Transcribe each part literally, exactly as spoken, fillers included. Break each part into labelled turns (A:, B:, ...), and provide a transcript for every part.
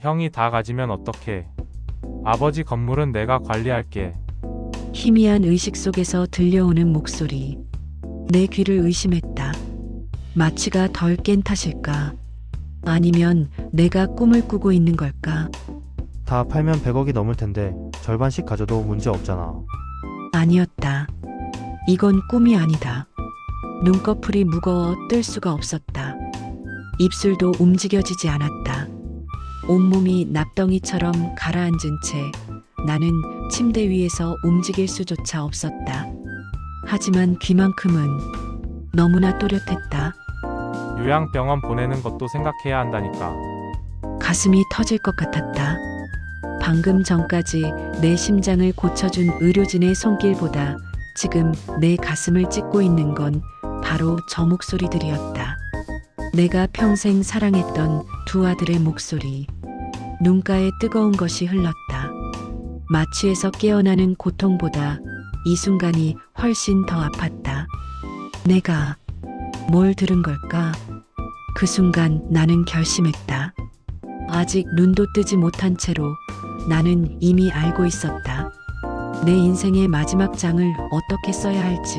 A: 형이 다 가지면 어떡해. 아버지 건물은 내가 관리할게.
B: 희미한 의식 속에서 들려오는 목소리. 내 귀를 의심했다. 마취가 덜 깬 탓일까? 아니면 내가 꿈을 꾸고 있는 걸까?
C: 다 팔면 백억이 넘을 텐데 절반씩 가져도 문제 없잖아.
B: 아니었다. 이건 꿈이 아니다. 눈꺼풀이 무거워 뜰 수가 없었다. 입술도 움직여지지 않았다. 온몸이 납덩이처럼 가라앉은 채 나는 침대 위에서 움직일 수조차 없었다. 하지만 귀만큼은 너무나 또렷했다.
A: 요양병원 보내는 것도 생각해야 한다니까.
B: 가슴이 터질 것 같았다. 방금 전까지 내 심장을 고쳐준 의료진의 손길보다 지금 내 가슴을 찢고 있는 건 바로 저 목소리들이었다. 내가 평생 사랑했던 두 아들의 목소리. 눈가에 뜨거운 것이 흘렀다. 마취에서 깨어나는 고통보다 이 순간이 훨씬 더 아팠다. 내가 뭘 들은 걸까? 그 순간 나는 결심했다. 아직 눈도 뜨지 못한 채로 나는 이미 알고 있었다. 내 인생의 마지막 장을 어떻게 써야 할지.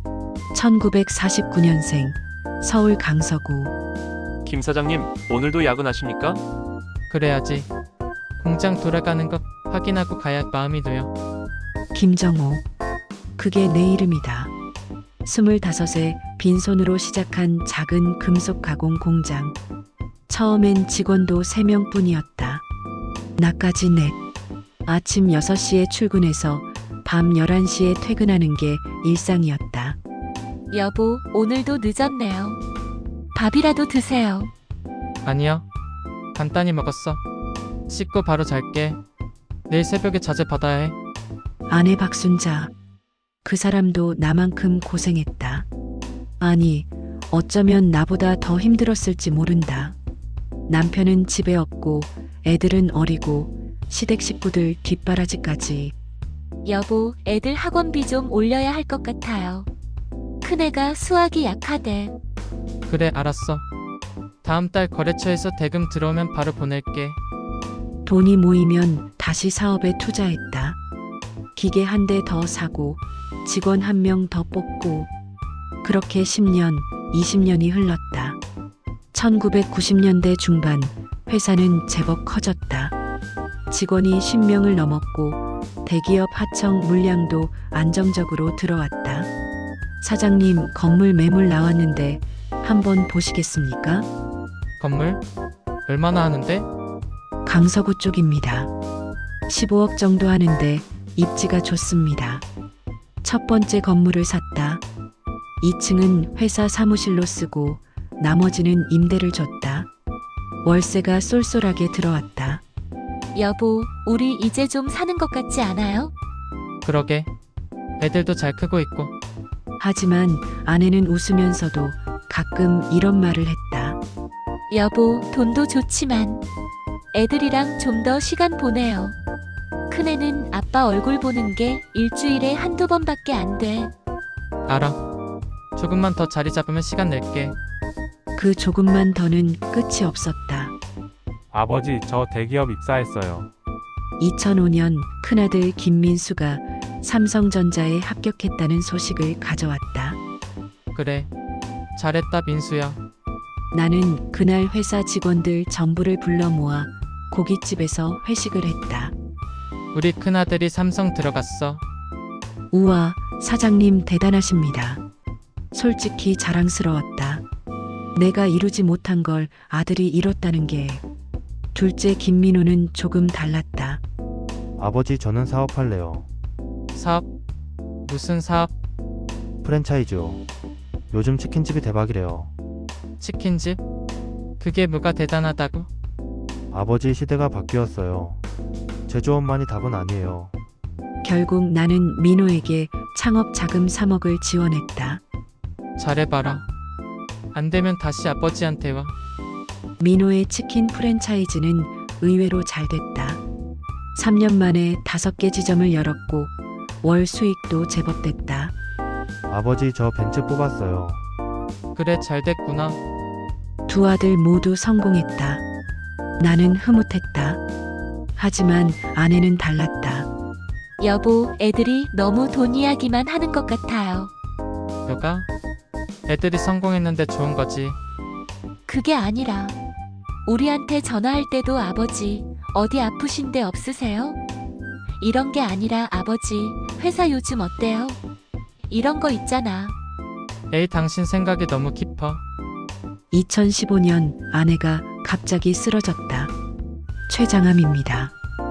B: 천구백사십구 년생 서울 강서구.
D: 김 사장님, 오늘도 야근하십니까?
E: 그래야지. 공장 돌아가는 것 확인하고 가야 마음이 놓여.
B: 김정호. 그게 내 이름이다. 스물다섯에 빈손으로 시작한 작은 금속 가공 공장. 처음엔 직원도 세 명뿐이었다. 나까지 넷. 아침 여섯 시에 출근해서 밤 열한 시에 퇴근하는 게 일상이었다.
F: 여보, 오늘도 늦었네요. 밥이라도 드세요.
E: 아니요. 간단히 먹었어. 씻고 바로 잘게. 내일 새벽에 자재 받아야 해.
B: 아내 박순자. 그 사람도 나만큼 고생했다. 아니, 어쩌면 나보다 더 힘들었을지 모른다. 남편은 집에 없고 애들은 어리고 시댁 식구들 뒷바라지까지.
F: 여보, 애들 학원비 좀 올려야 할 것 같아요. 큰애가 수학이 약하대.
E: 그래, 알았어. 다음 달 거래처에서 대금 들어오면 바로 보낼게.
B: 돈이 모이면 다시 사업에 투자했다. 기계 한 대 더 사고 직원 한 명 더 뽑고 그렇게 십 년, 이십 년이 흘렀다. 천구백구십 년대 중반 회사는 제법 커졌다. 직원이 십 명을 넘었고 대기업 하청 물량도 안정적으로 들어왔다. 사장님, 건물 매물 나왔는데 한번 보시겠습니까?
E: 건물? 얼마나 하는데?
B: 강서구 쪽입니다. 십오억 정도 하는데 입지가 좋습니다. 첫 번째 건물을 샀다. 이 층은 회사 사무실로 쓰고 나머지는 임대를 줬다. 월세가 쏠쏠하게 들어왔다.
F: 여보, 우리 이제 좀 사는 것 같지 않아요?
E: 그러게. 애들도 잘 크고 있고.
B: 하지만 아내는 웃으면서도 가끔 이런 말을 했다.
F: 여보, 돈도 좋지만 애들이랑 좀 더 시간 보내요. 큰애는 아빠 얼굴 보는 게 일주일에 한두 번밖에 안 돼.
E: 알아. 조금만 더 자리 잡으면 시간 낼게.
B: 그 조금만 더는 끝이 없었다.
A: 아버지, 저 대기업 입사했어요.
B: 이천오 년 큰아들 김민수가 삼성전자에 합격했다는 소식을 가져왔다.
E: 그래. 잘했다, 민수야.
B: 나는 그날 회사 직원들 전부를 불러 모아 고깃집에서 회식을 했다.
E: 우리 큰아들이 삼성 들어갔어.
B: 우와, 사장님 대단하십니다. 솔직히 자랑스러웠다. 내가 이루지 못한 걸 아들이 이뤘다는 게. 둘째 김민호는 조금 달랐다.
C: 아버지, 저는 사업할래요.
E: 사업? 무슨 사업?
C: 프랜차이즈요. 요즘 치킨집이 대박이래요.
E: 치킨집? 그게 뭐가 대단하다고?
C: 아버지, 시대가 바뀌었어요. 제조업만이 답은 아니에요.
B: 결국 나는 민호에게 창업 자금 삼억을 지원했다.
E: 잘해봐라. 안 되면 다시 아버지한테 와.
B: 민호의 치킨 프랜차이즈는 의외로 잘 됐다. 삼 년 만에 다섯 개 지점을 열었고 월 수익도 제법 됐다.
C: 아버지, 저 벤츠 뽑았어요.
E: 그래, 잘 됐구나.
B: 두 아들 모두 성공했다. 나는 흐뭇했다. 하지만 아내는 달랐다.
F: 여보, 애들이 너무 돈 이야기만 하는 것 같아요.
E: 요가? 애들이 성공했는데 좋은 거지.
F: 그게 아니라 우리한테 전화할 때도 아버지 어디 아프신 데 없으세요? 이런 게 아니라 아버지 회사 요즘 어때요? 이런 거 있잖아.
E: 에이, 당신 생각이 너무 깊어.
B: 이천십오 년 아내가 갑자기 쓰러졌다. 최장암입니다.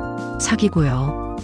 B: 사기고요.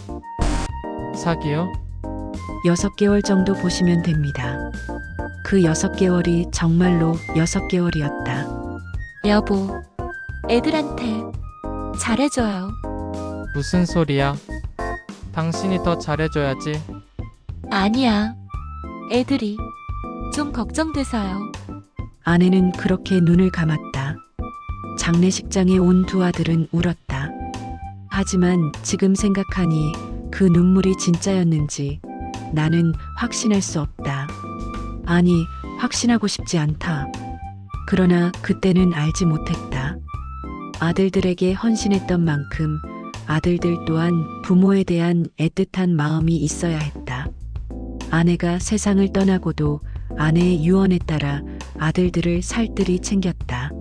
E: 사기요?
B: 여섯 개월 정도 보시면 됩니다. 그 여섯 개월이 정말로 여섯 개월이었다.
F: 여보, 애들한테 잘해줘요.
E: 무슨 소리야? 당신이 더 잘해줘야지.
F: 아니야. 애들이 좀 걱정돼서요.
B: 아내는 그렇게 눈을 감았다. 장례식장에 온 두 아들은 울었다. 하지만 지금 생각하니 그 눈물이 진짜였는지 나는 확신할 수 없다. 아니, 확신하고 싶지 않다. 그러나 그때는 알지 못했다. 아들들에게 헌신했던 만큼 아들들 또한 부모에 대한 애틋한 마음이 있어야 했다. 아내가 세상을 떠나고도 아내의 유언에 따라 아들들을 살뜰히 챙겼다.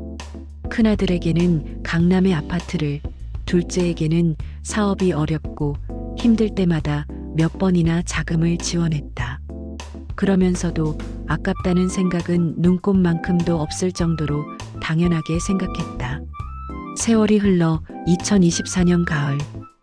B: 큰아들에게는 강남의 아파트를, 둘째에게는 사업이 어렵고 힘들 때마다 몇 번이나 자금을 지원했다. 그러면서도 아깝다는 생각은 눈꼽만큼도 없을 정도로 당연하게 생각했다. 세월이 흘러 이천이십사 년 가을,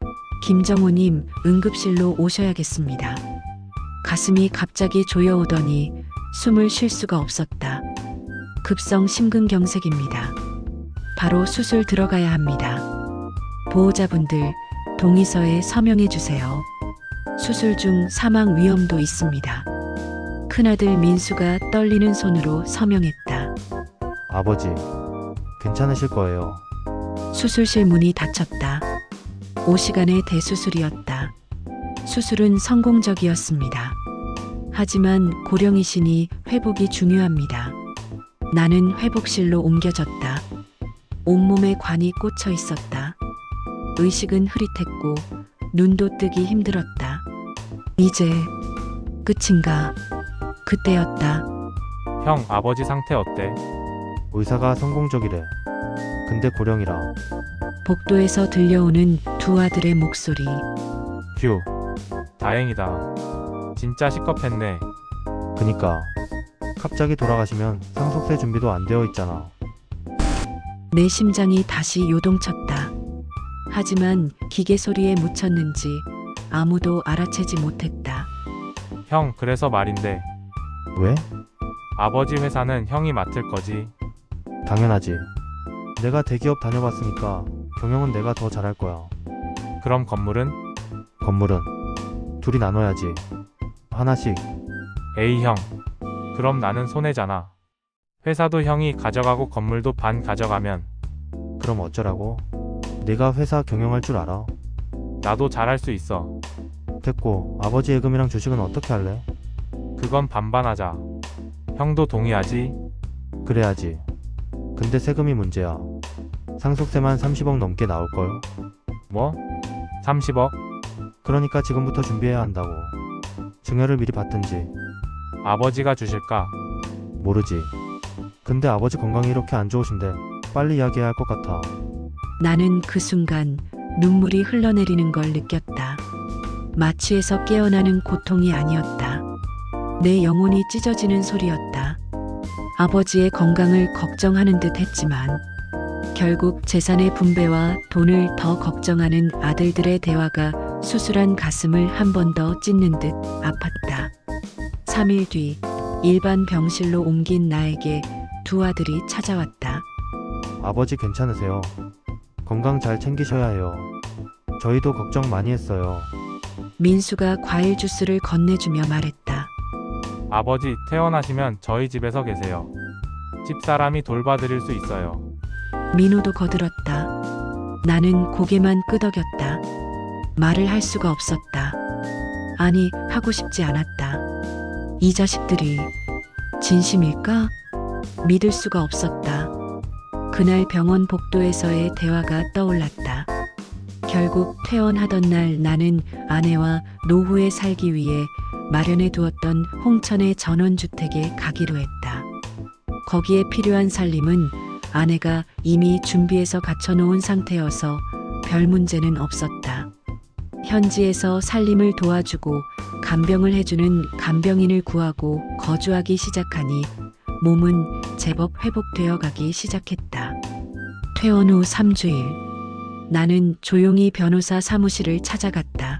B: 김정우님 응급실로 오셔야겠습니다. 가슴이 갑자기 조여오더니 숨을 쉴 수가 없었다. 급성 심근경색입니다. 바로 수술 들어가야 합니다. 보호자분들 동의서에 서명해 주세요. 수술 중 사망 위험도 있습니다. 큰아들 민수가 떨리는 손으로 서명했다.
C: 아버지, 괜찮으실 거예요.
B: 수술실 문이 닫혔다. 오 시간의 대수술이었다. 수술은 성공적이었습니다. 하지만 고령이시니 회복이 중요합니다. 나는 회복실로 옮겨졌다. 온몸에 관이 꽂혀 있었다. 의식은 흐릿했고 눈도 뜨기 힘들었다. 이제 끝인가? 그때였다.
A: 형, 아버지 상태 어때?
C: 의사가 성공적이래. 근데 고령이라.
B: 복도에서 들려오는 두 아들의 목소리.
A: 휴, 다행이다. 진짜 시겁했네.
C: 그니까 갑자기 돌아가시면 상속세 준비도 안 되어 있잖아.
B: 내 심장이 다시 요동쳤다. 하지만 기계 소리에 묻혔는지 아무도 알아채지 못했다.
A: 형, 그래서 말인데
C: 왜?
A: 아버지 회사는 형이 맡을 거지?
C: 당연하지. 내가 대기업 다녀봤으니까 경영은 내가 더 잘할 거야.
A: 그럼 건물은?
C: 건물은 둘이 나눠야지. 하나씩.
A: 에이 형, 그럼 나는 손해잖아. 회사도 형이 가져가고 건물도 반 가져가면
C: 그럼 어쩌라고? 내가 회사 경영할 줄 알아.
A: 나도 잘할 수 있어.
C: 됐고, 아버지 예금이랑 주식은 어떻게 할래?
A: 그건 반반하자. 형도 동의하지?
C: 그래야지. 근데 세금이 문제야. 상속세만 삼십억 넘게 나올걸?
A: 뭐? 삼십억?
C: 그러니까 지금부터 준비해야 한다고. 증여를 미리 받든지.
A: 아버지가 주실까?
C: 모르지. 근데 아버지 건강이 이렇게 안 좋으신데 빨리 이야기해야 할 것 같아.
B: 나는 그 순간 눈물이 흘러내리는 걸 느꼈다. 마취에서 깨어나는 고통이 아니었다. 내 영혼이 찢어지는 소리였다. 아버지의 건강을 걱정하는 듯 했지만 결국 재산의 분배와 돈을 더 걱정하는 아들들의 대화가 수술한 가슴을 한 번 더 찢는 듯 아팠다. 삼 일 뒤 일반 병실로 옮긴 나에게 두 아들이 찾아왔다.
C: 아버지 괜찮으세요? 건강 잘 챙기셔야 해요. 저희도 걱정 많이 했어요.
B: 민수가 과일 주스를 건네주며 말했다.
A: 아버지 퇴원하시면 저희 집에서 계세요. 집사람이 돌봐드릴 수 있어요.
B: 민호도 거들었다. 나는 고개만 끄덕였다. 말을 할 수가 없었다. 아니, 하고 싶지 않았다. 이 자식들이 진심일까? 믿을 수가 없었다. 그날 병원 복도에서의 대화가 떠올랐다. 결국 퇴원하던 날 나는 아내와 노후에 살기 위해 마련해 두었던 홍천의 전원주택에 가기로 했다. 거기에 필요한 살림은 아내가 이미 준비해서 갖춰놓은 상태여서 별 문제는 없었다. 현지에서 살림을 도와주고 간병을 해주는 간병인을 구하고 거주하기 시작하니 몸은 제법 회복되어 가기 시작했다. 퇴원 후 삼 주일, 나는 조용히 변호사 사무실을 찾아갔다.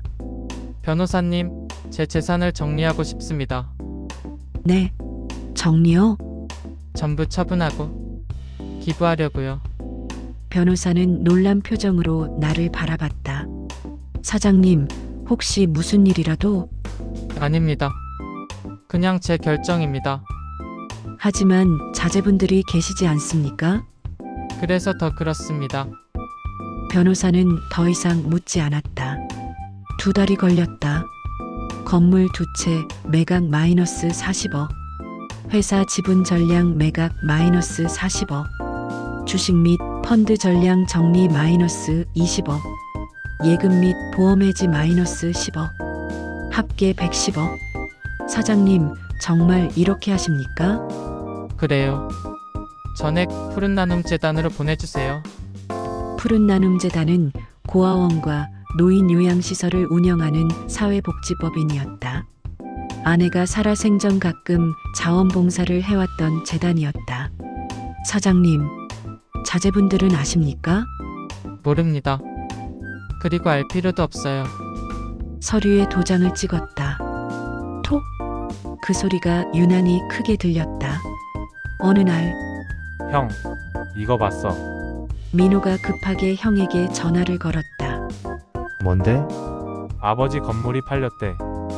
E: 변호사님, 제 재산을 정리하고 싶습니다.
B: 네, 정리요?
E: 전부 처분하고 기부하려고요.
B: 변호사는 놀란 표정으로 나를 바라봤다. 사장님, 혹시 무슨 일이라도?
E: 아닙니다. 그냥 제 결정입니다.
B: 하지만 자제분들이 계시지 않습니까?
E: 그래서 더 그렇습니다.
B: 변호사는 더 이상 묻지 않았다. 두 달이 걸렸다. 건물 두 채 매각 마이너스 사십억. 회사 지분 전량 매각 마이너스 사십억. 주식 및 펀드 전량 정리 마이너스 이십억. 예금 및 보험 해지 마이너스 십억. 합계 백십억. 사장님, 정말 이렇게 하십니까?
E: 그래요. 전액 푸른 나눔 재단으로 보내주세요.
B: 푸른 나눔 재단은 고아원과 노인 요양시설을 운영하는 사회복지법인이었다. 아내가 살아생전 가끔 자원봉사를 해왔던 재단이었다. 사장님, 자제분들은 아십니까?
E: 모릅니다. 그리고 알 필요도 없어요.
B: 서류에 도장을 찍었다. 톡! 그 소리가 유난히 크게 들렸다. 어느 날
A: 형, 이거 봤어.
B: 민호가 급하게 형에게 전화를 걸었다.
C: 뭔데?
A: 아버지 건물이 팔렸대.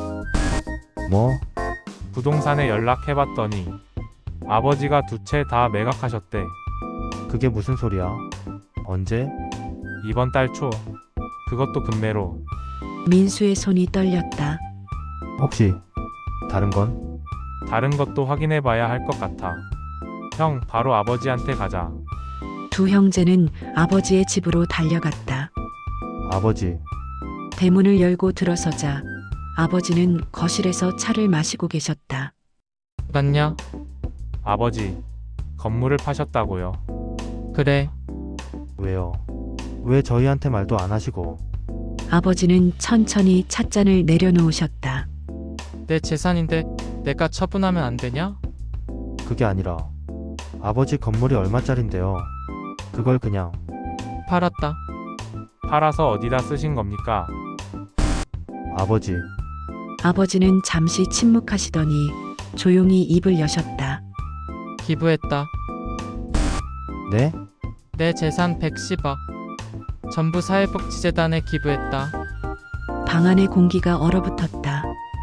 C: 뭐?
A: 부동산에 연락해봤더니 아버지가 두 채 다 매각하셨대.
C: 그게 무슨 소리야? 언제?
A: 이번 달 초. 그것도 금매로.
B: 민수의 손이 떨렸다.
C: 혹시 다른 건?
A: 다른 것도 확인해봐야 할 것 같아. 형, 바로 아버지한테 가자.
B: 두 형제는 아버지의 집으로 달려갔다.
C: 아버지,
B: 대문을 열고 들어서자 아버지는 거실에서 차를 마시고 계셨다.
E: 맞냐?
A: 아버지, 건물을 파셨다고요.
E: 그래.
C: 왜요? 왜 저희한테 말도 안 하시고?
B: 아버지는 천천히 찻잔을 내려놓으셨다.
E: 내 재산인데 내가 처분하면 안 되냐?
C: 그게 아니라 아버지 건물이 얼마짜린데요? 그걸 그냥
E: 팔았다.
A: 팔아서 어디다 쓰신 겁니까?
C: 아버지,
B: 아버지는 잠시 침묵하시더니 조용히 입을 여셨다.
E: 기부했다.
C: 네?
E: 내 재산 백십억. 전부 사회복지재단에 기부했다.
B: 방 안의 공기가 얼어붙었다.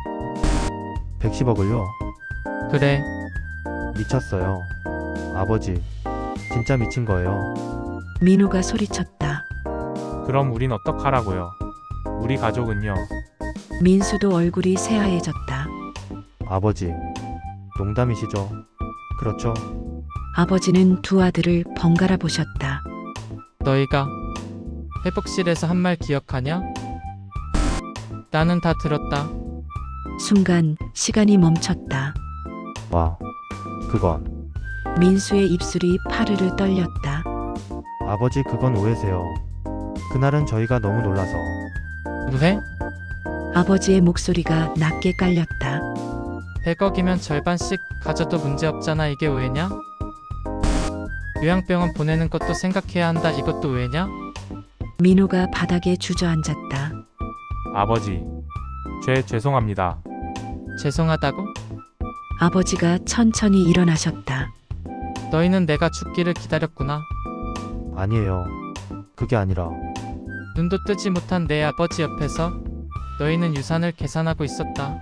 C: 백십억을요?
E: 그래.
C: 미쳤어요. 아버지, 진짜 미친 거예요.
B: 민호가 소리쳤다.
A: 그럼 우린 어떡하라고요? 우리 가족은요?
B: 민수도 얼굴이 새하얘졌다.
C: 아버지, 농담이시죠? 그렇죠?
B: 아버지는 두 아들을 번갈아 보셨다.
E: 너희가 회복실에서 한 말 기억하냐? 나는 다 들었다.
B: 순간 시간이 멈췄다.
C: 와, 그건
B: 민수의 입술이 파르르 떨렸다.
C: 아버지 그건 오해세요. 그날은 저희가 너무 놀라서
E: 왜?
B: 아버지의 목소리가 낮게 깔렸다.
E: 백억이면 절반씩 가져도 문제없잖아. 이게 왜냐? 요양병원 보내는 것도 생각해야 한다. 이것도 왜냐?
B: 민호가 바닥에 주저앉았다.
A: 아버지, 죄 죄송합니다.
E: 죄송하다고?
B: 아버지가 천천히 일어나셨다.
E: 너희는 내가 죽기를 기다렸구나.
C: 아니에요. 그게 아니라
E: 눈도 뜨지 못한 내 아버지 옆에서 너희는 유산을 계산하고 있었다.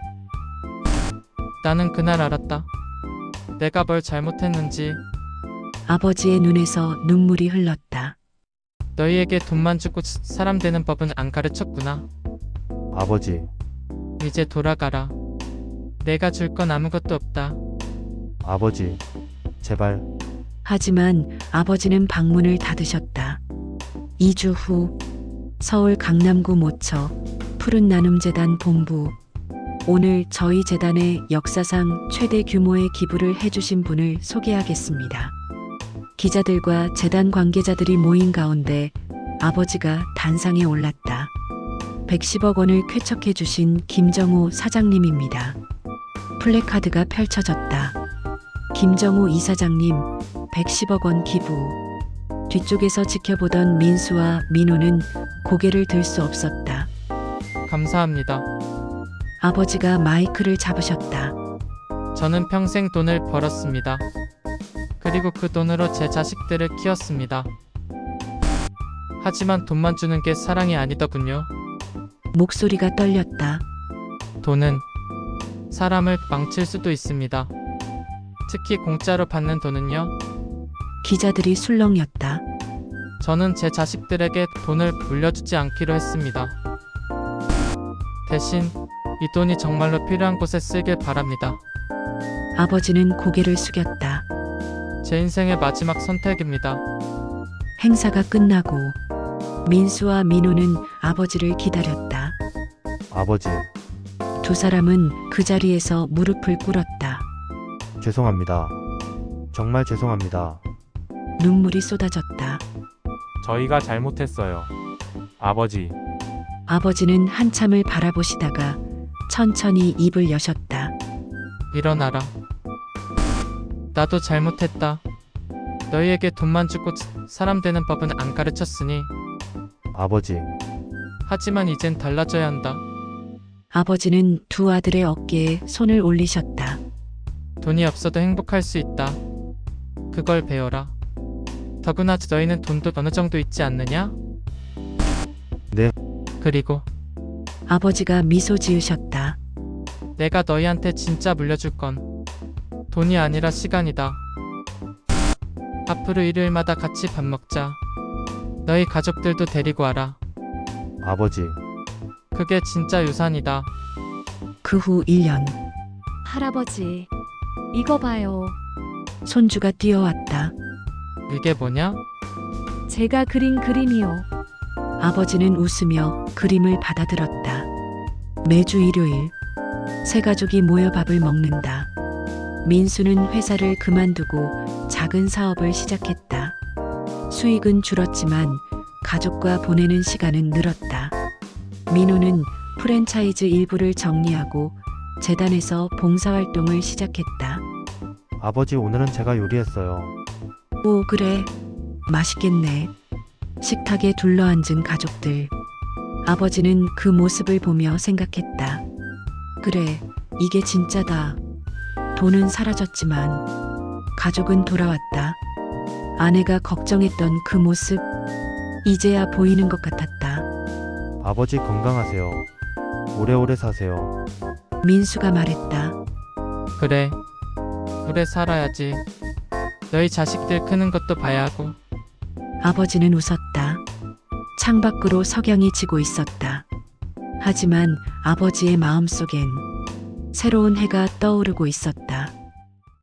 E: 나는 그날 알았다. 내가 뭘 잘못했는지.
B: 아버지의 눈에서 눈물이 흘렀다.
E: 너희에게 돈만 주고 사람 되는 법은 안 가르쳤구나.
C: 아버지,
E: 이제 돌아가라. 내가 줄 건 아무것도 없다.
C: 아버지, 제발
B: 하지만 아버지는 방문을 닫으셨다. 이 주 후 서울 강남구 모처 푸른 나눔 재단 본부. 오늘 저희 재단에 역사상 최대 규모의 기부를 해주신 분을 소개하겠습니다. 기자들과 재단 관계자들이 모인 가운데 아버지가 단상에 올랐다. 백십억 원을 쾌척해 주신 김정우 사장님입니다. 플래카드가 펼쳐졌다. 김정우 이사장님, 백십억 원 기부. 뒤쪽에서 지켜보던 민수와 민호는 고개를 들 수 없었다.
E: 감사합니다.
B: 아버지가 마이크를 잡으셨다.
E: 저는 평생 돈을 벌었습니다. 그리고 그 돈으로 제 자식들을 키웠습니다. 하지만 돈만 주는 게 사랑이 아니더군요.
B: 목소리가 떨렸다.
E: 돈은 사람을 망칠 수도 있습니다. 특히 공짜로 받는 돈은요.
B: 기자들이 술렁였다.
E: 저는 제 자식들에게 돈을 물려주지 않기로 했습니다. 대신 이 돈이 정말로 필요한 곳에 쓰길 바랍니다.
B: 아버지는 고개를 숙였다.
E: 제 인생의 마지막 선택입니다.
B: 행사가 끝나고 민수와 민호는 아버지를 기다렸다.
C: 아버지,
B: 두 사람은 그 자리에서 무릎을 꿇었다.
C: 죄송합니다. 정말 죄송합니다.
B: 눈물이 쏟아졌다.
A: 저희가 잘못했어요. 아버지,
B: 아버지는 한참을 바라보시다가 천천히 입을 여셨다.
E: 일어나라. 나도 잘못했다. 너희에게 돈만 주고 사람 되는 법은 안 가르쳤으니.
C: 아버지,
E: 하지만 이젠 달라져야 한다.
B: 아버지는 두 아들의 어깨에 손을 올리셨다.
E: 돈이 없어도 행복할 수 있다. 그걸 배워라. 더구나 너희는 돈도 어느 정도 있지 않느냐?
C: 네.
E: 그리고
B: 아버지가 미소 지으셨다.
E: 내가 너희한테 진짜 물려줄 건 돈이 아니라 시간이다. 앞으로 일요일마다 같이 밥 먹자. 너희 가족들도 데리고 와라.
C: 아버지,
E: 그게 진짜 유산이다.
B: 그 후 일 년
G: 할아버지, 이거 봐요.
B: 손주가 뛰어왔다.
E: 이게 뭐냐?
G: 제가 그린 그림이요.
B: 아버지는 웃으며 그림을 받아들었다. 매주 일요일 세 가족이 모여 밥을 먹는다. 민수는 회사를 그만두고 작은 사업을 시작했다. 수익은 줄었지만 가족과 보내는 시간은 늘었다. 민호는 프랜차이즈 일부를 정리하고 재단에서 봉사활동을 시작했다.
C: 아버지 오늘은 제가 요리했어요.
B: 오, 그래. 맛있겠네. 식탁에 둘러앉은 가족들. 아버지는 그 모습을 보며 생각했다. 그래, 이게 진짜다. 돈은 사라졌지만 가족은 돌아왔다. 아내가 걱정했던 그 모습, 이제야 보이는 것 같았다.
C: 아버지 건강하세요. 오래오래 사세요.
B: 민수가 말했다.
E: 그래. 오래 살아야지. 너희 자식들 크는 것도 봐야 하고.
B: 아버지는 웃었다. 창밖으로 석양이 지고 있었다. 하지만 아버지의 마음속엔 새로운 해가 떠오르고 있었다.